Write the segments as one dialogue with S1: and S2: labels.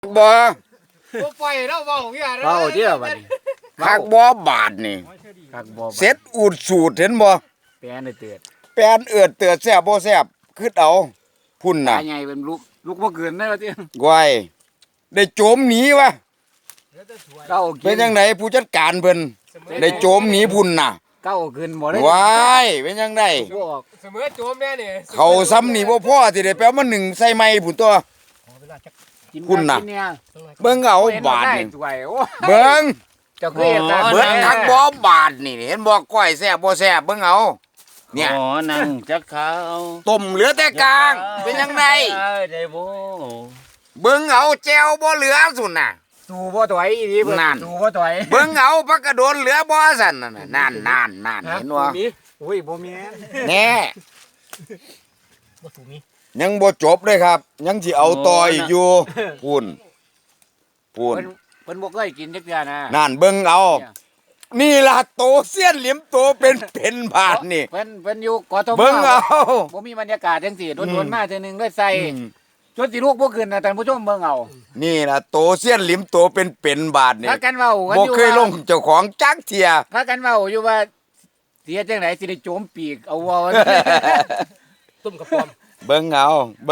S1: บ่
S2: ปล่อยเราเบาเหี้ย
S3: เว้าเด้อบัดนี้
S1: คักบ่บาทนี่
S3: คักบ่
S1: เสร็จอูดสูตรเห็นบ่
S3: แปลนได้เตือน
S1: แปนเอือดเตือดแซ่บบ่แซ่บคิดเอาพุ่น
S3: ตา
S1: น่ะ
S3: ใหญ่เป็นลูกบ่เกินได้ว่าติ
S1: ไว้ได้โจมหนีวะ
S3: เก้า
S1: เป็นจังไดผู้จัดการเพิ่นได้โจมหนีพุ่นน่ะ
S3: เก้าขึ้นบ่ได้
S1: ว้ายเป็นจังได
S3: บ่ออก
S2: เสมอโจมแน่นี่
S1: เขาซ้ำนี่บ่พอสิได้แปลมาหนึ่งใส่ไม้พุ่นตัว
S3: กิน
S1: คุณน่ะ
S3: กิเนี่ย
S1: เบิ่งเอาบาท
S3: ได้
S1: นี่
S3: สวยโอ้
S1: เบิ่ง
S3: เจ้าคือเฮ็ดตาม
S1: เบิ่งคักบ่บาทนี่เห็นบ่ก้อยแซ่บบ่แซ่บเบิ่งเอาเนี่ย
S4: ขอนั่งจักเขา
S1: ต้มเหลือแต่กลางเป็นจังได
S4: ได้บ่
S1: เบิ่งเอาแจวบ่เหลือสุนน่ะ
S3: สู้บ่ถอยอีหลีเพิ่น
S1: นั่น
S3: สู้บ่ถอย
S1: เบิ่งเอาพักกระโดนเหลือบ่สั่นนั่นน่ะนั่นเห็นบ่
S3: อุ้ยบ่แม่น
S1: แน่
S2: บ่ถูกมี
S1: ยังบ่จบเลยครับ ยังสิเอาต่ออีกอยู่พูน
S3: เพิ่นบ่เคยกินจักเทื่อนะ
S1: นั่นเบิ่งเอา นี่ล่ะโตเสี้ยนเหลี่ยมโตเป็นบาทนี่
S3: เพิ่นอยู่กทม
S1: เบิ่งเอา
S3: บ่มีบรรยากาศจังซี่โดนๆมาเทื่อนึงเลยใส่
S1: อืม
S3: จนสิลูกบ่ขึ้นนะท่านผู้ชมเบิ่งเอา
S1: นี่ล่ะโตเสี้ยนเหลี่ยมโตเป็นบาทนี่
S3: พากันเว้ากัน
S1: บ่
S3: อยู่
S1: เคยลงเจ้าของจักเที่ย
S3: พากันเว้าอยู่ว่าเสียจังไดสิได้โจมปีกเอาเว้า
S2: ต้มกับปอม
S1: เบิ่งเอา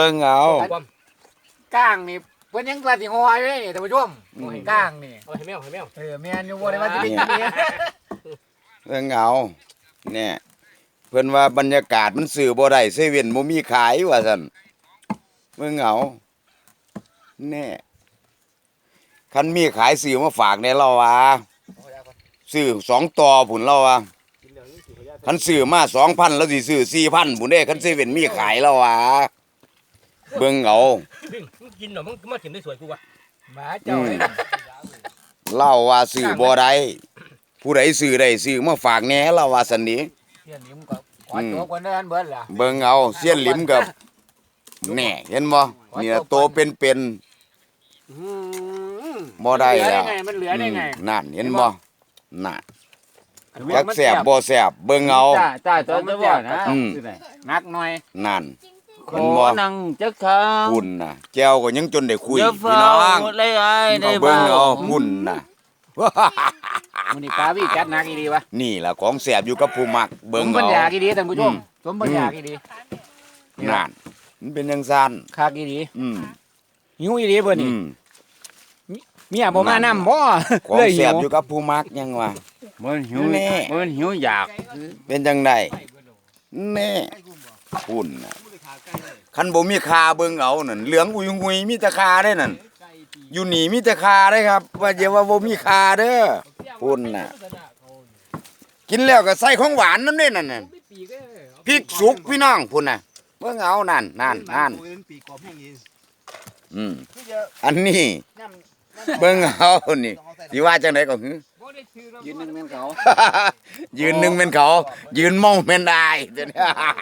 S2: ปอม
S3: ก้างนี่เพิ่นยังว่าสิฮออยู่เลยนี่ท่านผู้ชมก้างนี่
S2: เอาให้แมวให้แมว
S3: แม่นอยู่บ่ได้ว่าสิเป็นจังได๋
S1: เบิ่งเอาเนี่ยเพิ่นว่าบรรยากาศมันสื่อบ่ได้เซเว่นบ่มีขายว่าซั่นเบิ่งเอาแน่คันมีขายซื้อมาฝากในเราว่าซื้อ2ต่อพุ่นเราว่าคันซื้อมา 2,000 แล้วสิซื้อ 4,000 พุ่นเด้คันเซเว่นมีขายเราว่าเบิ่งเอา
S2: มึงกินหน่อมึงมากินได้สวยกูวะ
S3: หมาเจ้าเลย
S1: เล่าว่าซื้อบ่ได้ผู้ใดซื้อได้ซื้อมาฝากแหน่เราว่าซั่นนี้
S3: เสียนหิมก็ขอตัวคนนั้นเบิดล่ะ
S1: เบิ่งเอาเสี้ยนหลิมกับแน่เห็นบ่นี่ล่ะโตเป็นบ่ได้แล้ว
S3: มันเหลือได้ไง
S1: นั่นเห็นบ่น่ะจักแซ่บบ่แซ่บเบิ่งเอา
S3: จ้าตัวบ่นะ
S1: อืม
S3: นักหน่อย
S1: นั่น
S4: ข
S1: เห็น
S4: อ
S1: บ่
S4: นั่งจักเขา
S1: พุ่นน่ะแก้วก็ยังจนได้คุย
S4: อย่า
S1: พี่
S4: เฝ้า
S1: น้อง
S4: เลยอ้ายได้
S1: เบิ่
S4: บ่
S1: งเอาพุ่นน่ะ
S3: มื้อนี้ปลาวิจัดหนักอีดีวะ
S1: นี่ล่ะของแซ่บอยู่กับผู้มัก
S3: ส
S1: เบิ่ง
S3: มบัญ
S1: เอา
S3: ญาอีดีท่านผู้ชมสมบัญญาอีดี
S1: นั่นมันเป็นจังซั่น
S3: คักอีดี
S1: อืม
S3: หิวอีดีเบิ่น
S1: อื
S3: นี่
S1: ม
S3: เมียบ่มานำบ่
S1: ของ
S3: เลยหิ
S1: แซ่บ
S3: ว
S1: อยู่กับผู้มักยังว่า
S4: มันหิว
S1: แน่
S4: มันหิวอยาก
S1: เป็นจังไดแน่พุ่นน่ะคันบ่มีคาเบิ่งเอานั่นเหลืองอุยงุยมีแต่คาได้นั่นอยู่นี่มีแต่คาได้ครับ ว่าอย่าว่าบ่มีคาเด้อพุ่นน่ะ กินแล้วก็ใส่ของหวานนำเด้นั่นน่ะพริกสุกพี่น้องพุ่นน่ะเบิ่งเอานั่นอืมอันนี้เบิ่งเอานี่สิว่าจังไดก็หือ
S3: ยืนหนึงแม่นเขา
S1: ยืนหนึ่งเป็นเขา ยืนเมาเป็นได้เดี๋ยวนี้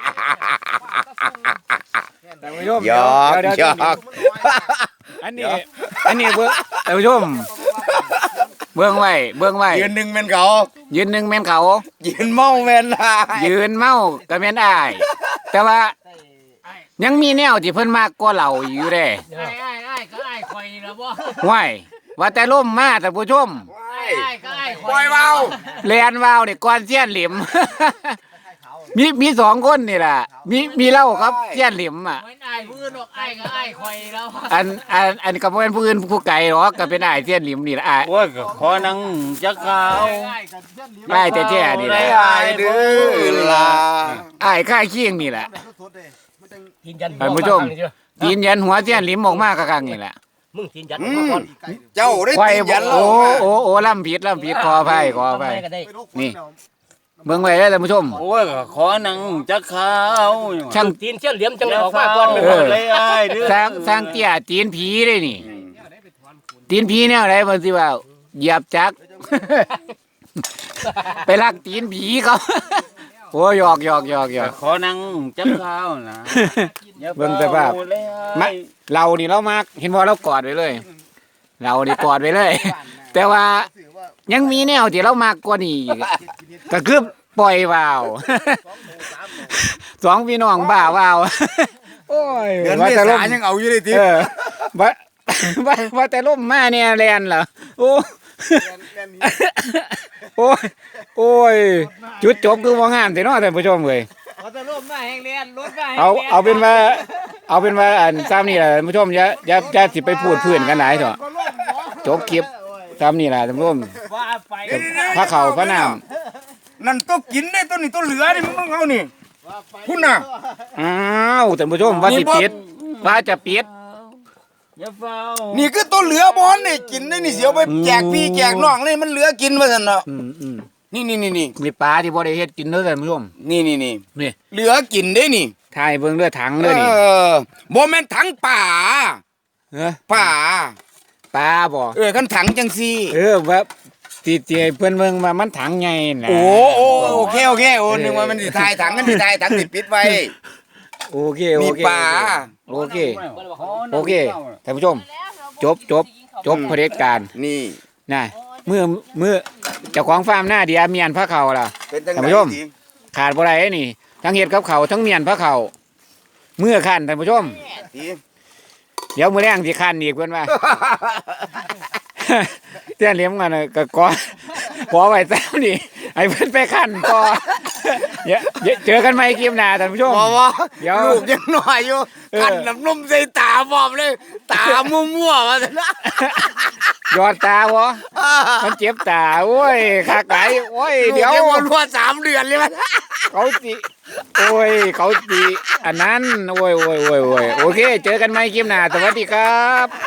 S3: ท่านผู้ชม
S1: หยอก
S3: เดี๋ยว
S1: หยอก
S3: อันนี้เบิ่งท่านผู้ชมเบิ่งไว้
S1: ยืนหนึ่งเป็นเขา
S3: ยืนหนึงแม่นเขา
S1: ยืนเมาเป็นได้
S3: ยืนเมาก็แม่นอ้าย แต่ว่ายังมีแนวที่เพิ่นมากกว่าเราอยู่เด้
S2: ไอ้ก็ไอ้คอยแล้วบ่
S3: ห้วยว่าแต่ล่มมาท่านผู้ชม
S2: ไอ้ก็ไอ้ค
S1: ป
S2: อย
S1: ล่อยเบา
S3: แลนวาวนี่ก่อนเสี้ยนหลิม มีสองคนนี่ล่ะมีเล่าครับเสี้ยนหลิมอ่ะ
S2: เหมือนไอ้พื้นหรอกไอ้ก็ไอ้คอยแล้ว
S3: อันก็บ่เป็นผู้อื่นผู้ไกลหรอกก็เป็นอ้ายเสี้ยนหลิมนี่ล่ะอ้าย
S4: โอ้ยก็ขอนั่งจักเขา
S3: อ้ายแท้ๆนี่แหละ
S1: ไม่อายเด้อล่ะ
S3: อ้ายค่ายเคียงนี่แหละ
S2: กินยัน
S3: ท่านผู้ชมตีนยันหัวเสี้ยนหลิมออกมาคักๆนี่แหละ
S2: มึงกินยัน
S1: อื
S2: มาม ก่อน
S1: เจ้าได้
S3: ไว้
S1: ตีนยันเรา
S3: โอ้ล่ำผิดขออภัย
S2: ก็ได้
S3: นี่เบิ่งไว้เด้อท่านผู้ชม
S4: โอ้ยก็ขอนั่งจักเขา
S3: ช่าง
S2: ตีนเชี่ยเหลี่ยมจังเลยออกมาก่อน
S4: เลยอ้ายเด้อ
S3: สร้างเตี้ยตีนผีเลยนี่ ตีนผีแนวไหนเพิ่นสิว่าเหยียบจัก ไปลักตีนผีเขา โอ้หยอก
S4: ก็ขอนั่งจักเขานะอย่
S3: เบิ่งสภาพ
S4: เฝ้เลยอ้าย
S3: มาเรานี่เรามักเห็นบ่เรากอดไว้เลย เรานี่กอดไว้เลย แต่ว่ายังมีแนวที่เรามากกว่านี้อีกก็คือปล่อยวาว สองพี่น้องบ้าวาว โอ้ย
S1: เดือน
S3: ว่า
S1: เม
S3: แต่ล
S1: ษาม ยังเอาอยู่เลยที
S3: ว่าว่าแต่ล่มมาเนี่ยแลนเหรอโอ้โอ้ยโอ้ยจุดจบคือว่างามแต่เนาะท่านผู้ชมเว้ย
S2: เขาจะร่มมาแห้งเรียนรถมา
S3: เอาเป็นว่าอันซ้ำนี่แหละท่านผู้ชมอย่าสิไปพูดเพื่อนกันหลายเถอะจบคลิปซ้ำนี่แหละท่านผู้ชม
S2: ว่าไป
S3: พระเขาพระน้
S1: นั่นตัวกินได้ตัวนี้ตัวเหลือนี่มึงเอานี่คุณน่ะ
S3: ำอ้าวท่านผู้ชมว่าสิปิดว่าจะปิด
S4: อย่าเฝ้า
S1: นี่คือตัวเหลือบอลนี่กินได้นี่เสียวไปแจกพี่แจกน้องเลยมันเหลือกินว่าซั่นเนาะ
S3: อืม
S1: นี่
S3: มีปลาที่บ่ได้เฮ็ดกินเด้อท่านผู้ชม
S1: นี่
S3: นี่
S1: เหลือกินได้นี่
S3: ถ่ายเบิ่งเด้อถังเด้อนี่
S1: บ่แม่นถังป่า
S3: เออ
S1: ป่า
S3: ปลาบ่
S1: คันถังจังซี่
S3: ว่าที่เพิ่นเบิ่งว่ามันถังใหญ่น่ะ
S1: โอเคโอ้นึกว่ามันสิทายถังกันสิทายถังสิปิดไว้
S3: โอเค
S1: มีปลา
S3: โอเคท่านผู้ชม จบเผด็จการ
S1: นี่
S3: น่ะเมื่อเจ้าของฟาร์มหน้าเดียเมียนพระเขาล่ะ
S1: เป็นจัง
S3: ท่าน
S1: ได๋
S3: ผู้ชม ขาดบ่ได้นี่ทั้งเฮ็ดกับเขาวทั้งเมียนพระเขาเมื่อคันท่านผู้ชม
S1: ที
S3: เดี๋ยวมื้อแรงสิคันอีกเพิ่นว่า เตี้ยเลี้ยงกันน่ะก็ขอไว้แต้วนี่ให้เพิ่นไปคันต่อเดี๋ยวเจอกันใหม่คลิปหน้าท่านผู้ชม
S1: บ่
S3: เดี๋ยว
S1: ลูกยังน้อยอยู่ คันน้ำนมใส่ตาบอมเลย ตามั่วๆว่าซั่นนะ
S3: ยอดตาบ่มันเจ็บตาโอ้ยคักหลายโอ้ยเดี๋ยว
S1: ลูกยังบ่รัว3 เดือนเลยมัน
S3: เขาสิอันนั้นโอ้ยโอเค เจอกันใหม่คลิปหน้าสวัสดีครับ